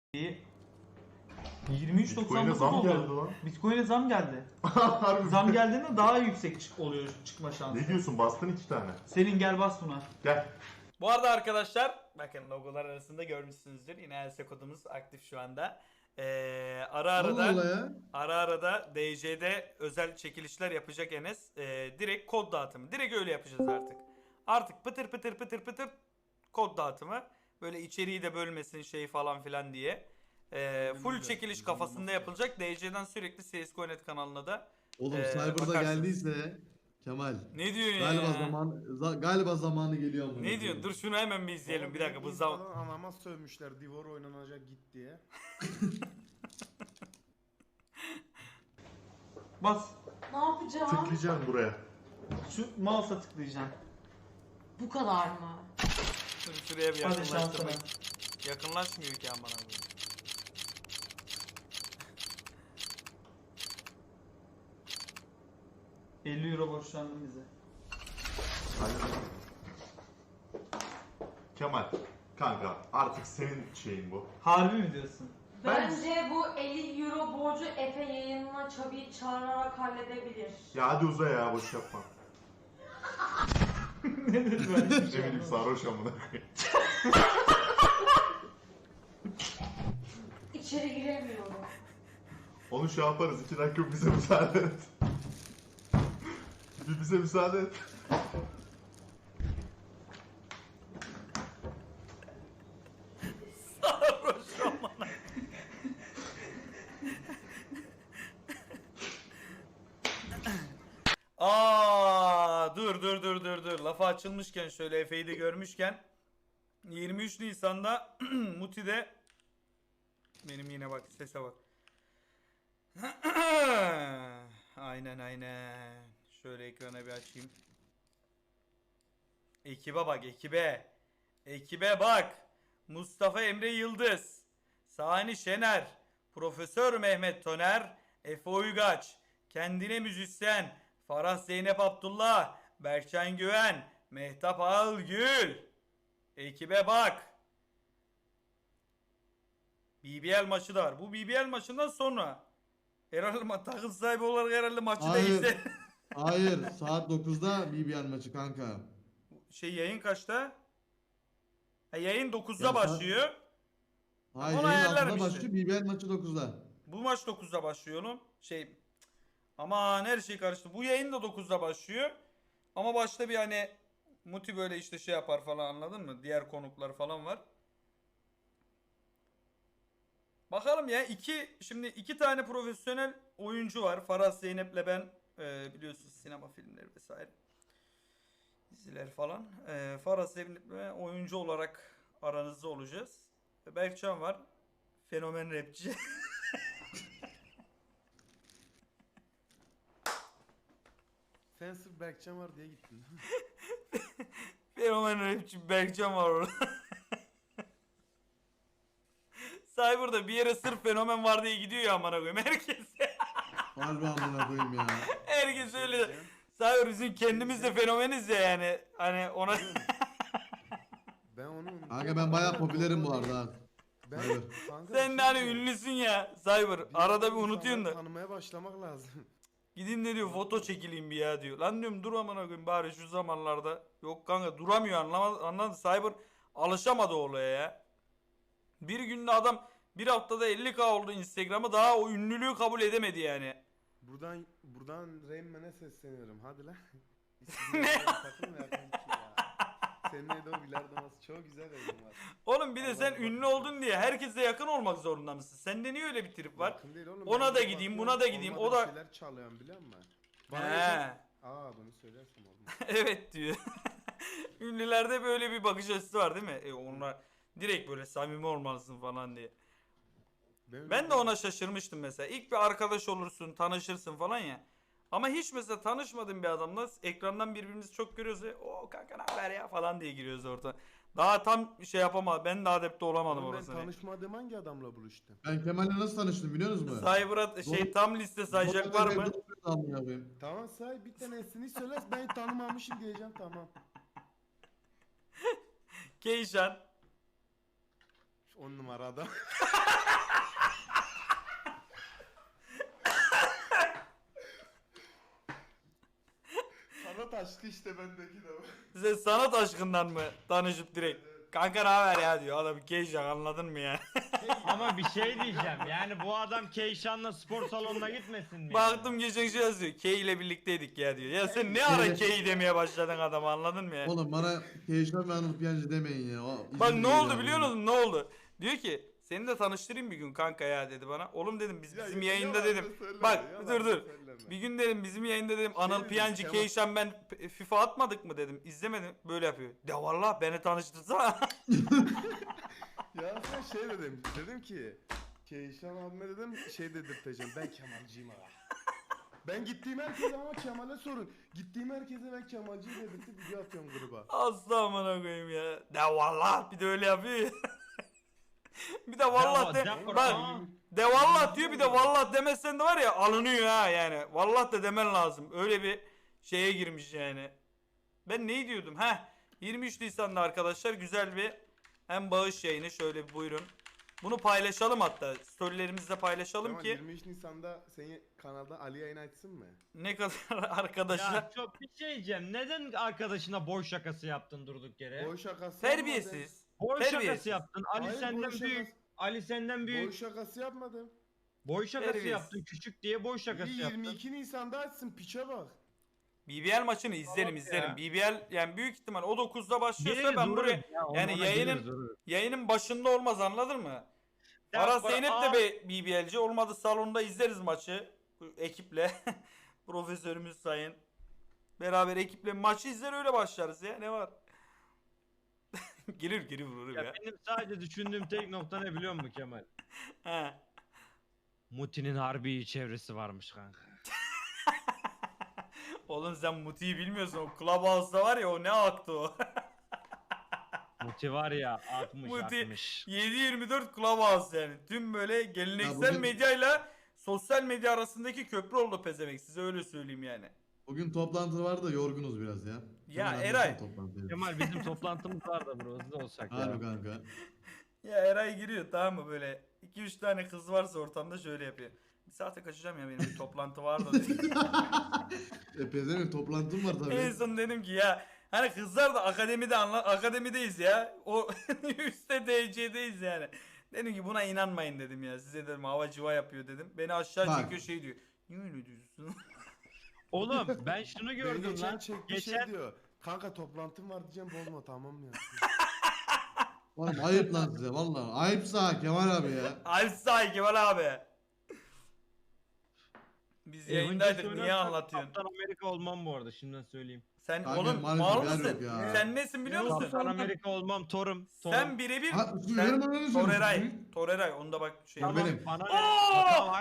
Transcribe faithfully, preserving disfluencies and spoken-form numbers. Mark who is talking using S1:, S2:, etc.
S1: yirmi üç doksan
S2: Bitcoin'e
S1: dokuz
S2: zam
S1: oldu.
S2: geldi lan.
S1: Bitcoin'e zam geldi.
S2: Harbi.
S1: Zam geldiğinde daha yüksek çık oluyor çıkma şansı.
S2: Ne diyorsun, bastın iki tane.
S1: Senin gel bas buna.
S2: Gel.
S3: Bu arada arkadaşlar bakın logolar arasında görmüşsünüzdür. Yine Else kodumuz aktif şu anda. Ee, ara ara
S4: Allah Allah
S3: da
S4: ya.
S3: ara ara da D C'de özel çekilişler yapacak Enes. Ee, direkt kod dağıtımı. Direkt öyle yapacağız artık. Artık pıtır pıtır pıtır pıtır kod dağıtımı. Böyle içeriği de bölmesin şey falan filan diye. Ee, full çekiliş kafasında yapılacak. D C'den sürekli C S G O nokta net kanalına da
S4: Oğlum
S3: Ee,
S4: Cyber'da
S3: bakarsınız.
S4: geldiyse Kemal.
S3: ne diyorsun
S4: Galiba
S3: ya?
S4: zaman za- galiba zamanı geliyor ama.
S3: Ne diyorsun? Dur şunu hemen bir izleyelim. Bir dakika bu zaman.
S5: Falan anama sövmüşler Divor oynanacak git diye.
S1: Bas.
S6: Ne yapacağım?
S2: Tıklayacaksın buraya.
S1: Şu mouse'a tıklayacaksın.
S6: Bu kadar mı?
S3: Dur şuraya bir
S1: Hadi
S3: yakınlaştırmak.
S1: şansına.
S3: Yakınlaşmıyor ki aman abi.
S1: elli euro borçlandın bize.
S2: Kemal. Kanka artık senin şeyin bu.
S1: Harbi mi diyorsun?
S6: Bence bu elli euro borcu Efe yayınına Çabi'yi çağırarak halledebilir.
S2: Ya hadi uza ya, boş yapma.
S1: Ne dedi ben hiçbir
S2: Ne
S1: şey
S2: bileyim,
S1: anlamadım.
S2: sarhoş amına koyayım.
S6: İçeri giremiyorum.
S2: Onu şey yaparız, iki dakika bize müsaade et. Bir bize müsaade et.
S3: Aa, dur dur dur dur dur. Lafa açılmışken şöyle Efe'yi de görmüşken yirmi üç Nisan'da Muti'de benim yine bak sese bak. Aynen aynen. Şöyle ekrana bir açayım. Ekibe bak ekibe. Ekibe bak. Mustafa Emre Yıldız, Sani Şener, Profesör Mehmet Toner, Efe Uygaç, Kendine Müzisyen, Farah Zeynep Abdullah, Berkcan Güven, Mehtap Ağılgül. Ekibe bak. B B L maçı da var. Bu B B L maçından sonra herhalde ma- takım sahibi olarak herhalde maçı da
S4: Hayır.
S3: izle.
S4: Hayır, saat dokuzda B B L maçı kanka.
S3: Şey yayın kaçta? Ha, yayın dokuzda
S4: Ya sen-
S3: başlıyor.
S4: Hayır,
S3: Onu
S4: yayın
S3: ayarlarım
S4: altıda
S3: işte.
S4: başlıyor, B B L maçı dokuzda.
S3: Bu maç dokuzda başlıyor oğlum. Şey aman her şey karıştı. Bu yayın da dokuzda başlıyor. Ama başta bir hani Muti böyle işte şey yapar falan, anladın mı? Diğer konuklar falan var. Bakalım ya, iki şimdi iki tane profesyonel oyuncu var. Farah Zeynep'le ben, e, biliyorsunuz sinema filmleri vesaire. Diziler falan. E, Farah Zeynep'le oyuncu olarak aranızda olacağız. Berkcan var. Fenomen rapçi.
S5: Sen sırf Berkcan var diye gittin.
S3: Fenomen rapçi Berkcan var orada. Cyber'da bir yere sırf fenomen var diye gidiyor ya amına koyayım herkes.
S4: Harbi amına koyayım ya.
S3: Herkes öyle. Cyber bizim kendimiz de fenomeniz ya yani. Hani ona
S5: Ben onu
S4: Kanka ben bayağı popülerim bu arada. ha.
S5: Ben,
S4: Hayır.
S5: kanka,
S3: sen
S5: bir
S3: de
S5: şey
S3: hani
S5: diyeceğim.
S3: ünlüsün ya Cyber. Arada bir
S5: insanları
S3: unutuyorsun da.
S5: Tanımaya başlamak lazım.
S3: Gideyim ne diyor, foto çekileyim bir ya diyor. Lan diyorum dur amına koyayım bari şu zamanlarda. Yok kanka duramıyor, anlamadı, anladı. Cyber alışamadı olaya ya. Bir günde adam bir haftada elli bin oldu Instagram'ı, daha o ünlülüğü kabul edemedi yani.
S5: Buradan buradan Rain Man'e sesleniyorum. Hadi lan. Ne? Takılma yakın iki ya. Seninle de o bilardo masası çok güzel oyun var.
S3: Oğlum bir de
S5: Allah
S3: sen
S5: Allah.
S3: ünlü oldun diye herkese yakın olmak zorunda mısın? Sende niye öyle bir trip var?
S5: Yakın değil oğlum,
S3: Ona
S5: ben
S3: da
S5: de
S3: gideyim,
S5: bakıyorum,
S3: buna da gideyim, o
S5: olmadığı
S3: da-
S5: şeyler çalıyorum biliyor musun?
S3: He.
S5: Bana Aa bunu söylersem olmaz.
S3: Evet diyor. Ünlülerde böyle bir bakış açısı var değil mi? E onlar direkt böyle samimi olmalısın falan diye.
S5: Benim
S3: Ben de ona şaşırmıştım mesela. İlk bir arkadaş olursun, tanışırsın falan ya. Ama hiç mesela tanışmadığım bir adamla ekrandan birbirimizi çok görüyoruz ve o kanka ne haber ya falan diye giriyoruz orada. Daha tam şey yapamadım. Ben de adapte olamadım
S5: Oğlum ben
S3: orasına.
S5: tanışmadığım hangi adamla buluştum?
S4: Ben Kemal'le nasıl tanıştım biliyor musunuz?
S3: Cyber'a şey tam liste sayacak var mı?
S4: Amına koyayım.
S5: Tamam say bir tanesini söyle, ben tanımamışım diyeceğim tamam.
S3: Keyşan.
S5: On numarada. aşkı işte bendeki de.
S3: Size sanat aşkından mı tanışıp direkt? Kanka ne haber ya diyor. Adam Keyşan anladın mı ya?
S7: Ama bir şey diyeceğim. Yani bu adam Keyşan'la spor salonuna gitmesin mi?
S3: Baktım geçen şey yazıyor. Key ile birlikteydik ya diyor. Ya sen ne ara
S4: Evet.
S3: Key demeye başladın adam anladın mı ya?
S4: Oğlum bana Keyşan ve Anıl Piyancı demeyin ya. O
S3: Bak
S4: izin
S3: ne
S4: değil
S3: oldu
S4: abi.
S3: biliyor musun? Ne oldu? Diyor ki seni de tanıştırayım bir gün kanka ya dedi bana. Oğlum dedim biz
S5: Ya
S3: bizim
S5: yalan
S3: yayında
S5: da
S3: dedim.
S5: söyleme,
S3: Bak
S5: yalan
S3: dur
S5: da
S3: dur.
S5: söyleme.
S3: Bir gün dedim bizim yayında dedim Anıl
S5: dedim,
S3: Piyancı,
S5: Kemal-
S3: Keyşan ben P- FIFA atmadık mı dedim. İzlemedim. Böyle yapıyor. De valla beni tanıştırsana.
S5: Ya sen şey dedim. Dedim ki Keyşan abime dedim şey dedirteceğim. Ben Kemalciyim abi. Ben gittiğim herkese ama Kemal'e sorun. Gittiğim herkese ben Kemalciyim dedirtip video atıyorum gruba.
S3: Asla amına koyayım ya. De valla bir de öyle yapıyor. Bir de vallah de.
S7: De- de-
S3: Bak
S7: Aa.
S3: de vallah diyor bir de vallah demezsen de var ya alınıyor ha yani. Vallah da demen lazım. Öyle bir şeye girmiş yani. Ben ne diyordum? Heh. yirmi üç Nisan'da arkadaşlar güzel bir hem bağış yayını şöyle bir buyurun. Bunu paylaşalım hatta. Storylerimizde paylaşalım
S5: Kemal
S3: ki
S5: yirmi üç Nisan'da seni kanalda Ali yayın açsın mı?
S3: ne kadar arkadaşlar.
S7: Ya çok bir şey diyeceğim. Neden arkadaşına boy şakası yaptın durduk yere?
S5: Boy şakası
S3: Terbiyesiz.
S7: Boy
S3: terbiyesiz.
S7: şakası yaptın. Ali
S5: Hayır,
S7: senden
S5: boy
S7: büyük.
S5: şakası-
S7: Ali senden
S5: yapmadım.
S7: büyük.
S5: Boy şakası yapmadım.
S7: Boy şakası
S3: Terbiyesiz.
S7: yaptın. Küçük diye boy şakası
S5: İyi,
S7: yaptın.
S5: yirmi iki Nisan'da açsın piçe bak.
S3: B B L maçını izlerim
S7: Tamam
S3: izlerim.
S7: ya.
S3: B B L yani büyük ihtimal o dokuzda başlıyorsa
S7: Geliriz,
S3: ben
S7: uğrarız
S3: buraya
S7: ya,
S3: yani
S7: onlara
S3: yayının-
S7: geliriz, uğrarız.
S3: yayının başında olmaz anladın mı?
S7: Ya
S3: Aras
S7: bak-
S3: Zeynep
S7: Aa,
S3: de be- B B L'ci olmadı salonda izleriz maçı bu ekiple. Profesörümüz sayın. Beraber ekiple maçı izler öyle başlarız ya ne var? Girir girir vururum ya.
S7: Ya benim sadece düşündüğüm tek nokta ne biliyor musun Kemal?
S3: He.
S7: Muti'nin harbi çevresi varmış kanka.
S3: Oğlum sen Muti'yi bilmiyorsun o Clubhouse'da var ya o ne aktı o.
S7: Muti var ya atmış
S3: Muti-
S7: atmış.
S3: yedi yirmi dört Clubhouse yani. Tüm böyle geleneksel
S4: bugün-
S3: medyayla sosyal medya arasındaki köprü oldu pezevenk size öyle söyleyeyim yani.
S4: Bugün toplantı var da yorgunuz biraz ya.
S3: Ya
S4: Kemal
S3: Eray.
S4: anlatsana toplantıyı.
S7: Kemal bizim toplantımız var da bro hızlı olsak ya.
S4: Harbi kanka.
S3: Ya Eray giriyor tamam mı böyle iki üç tane kız varsa ortamda şöyle yapıyor. Bir saate kaçacağım ya benim bir toplantı var da diyor.
S4: E pezevenk toplantım var tabii.
S3: En son dedim ki ya hani kızlar da akademide anla akademideyiz ya. O üstte D C'deyiz yani. Dedim ki buna inanmayın dedim ya. Size dedim hava civa yapıyor dedim. Beni aşağı
S4: Bak.
S3: çekiyor şey diyor. Niye öyle diyorsun?
S7: Oğlum ben şunu
S5: Beni
S7: gördüm
S5: geçen
S7: lan.
S5: çekti
S7: Geçen
S5: şey diyor. Kanka toplantım var diyeceğim bozma tamam ya.
S4: Oğlum ayıp lan size valla. Ayıpsa Kemal abi ya.
S3: Alsay Kemal abi. Biz
S7: Avengers
S3: yayındaydık niye
S7: oynarsak
S3: anlatıyorsun?
S7: Kaptan Amerika olmam bu arada şimdiden söyleyeyim.
S3: Sen
S4: Kanka,
S3: oğlum
S4: maalesef
S3: mal
S4: yer
S3: mısın?
S4: yok ya.
S3: Sen nesin biliyor musun?
S7: Kaptan Amerika olmam Thor'um. Thor'um.
S3: Sen birebir
S4: Ha,
S3: sen
S4: verin bana ne
S3: Toreray.
S4: söylüyorsun?
S3: Toreray onda bak şey.
S4: Tamam. benim.
S7: Bana ne?
S3: Aa!
S7: Tamam,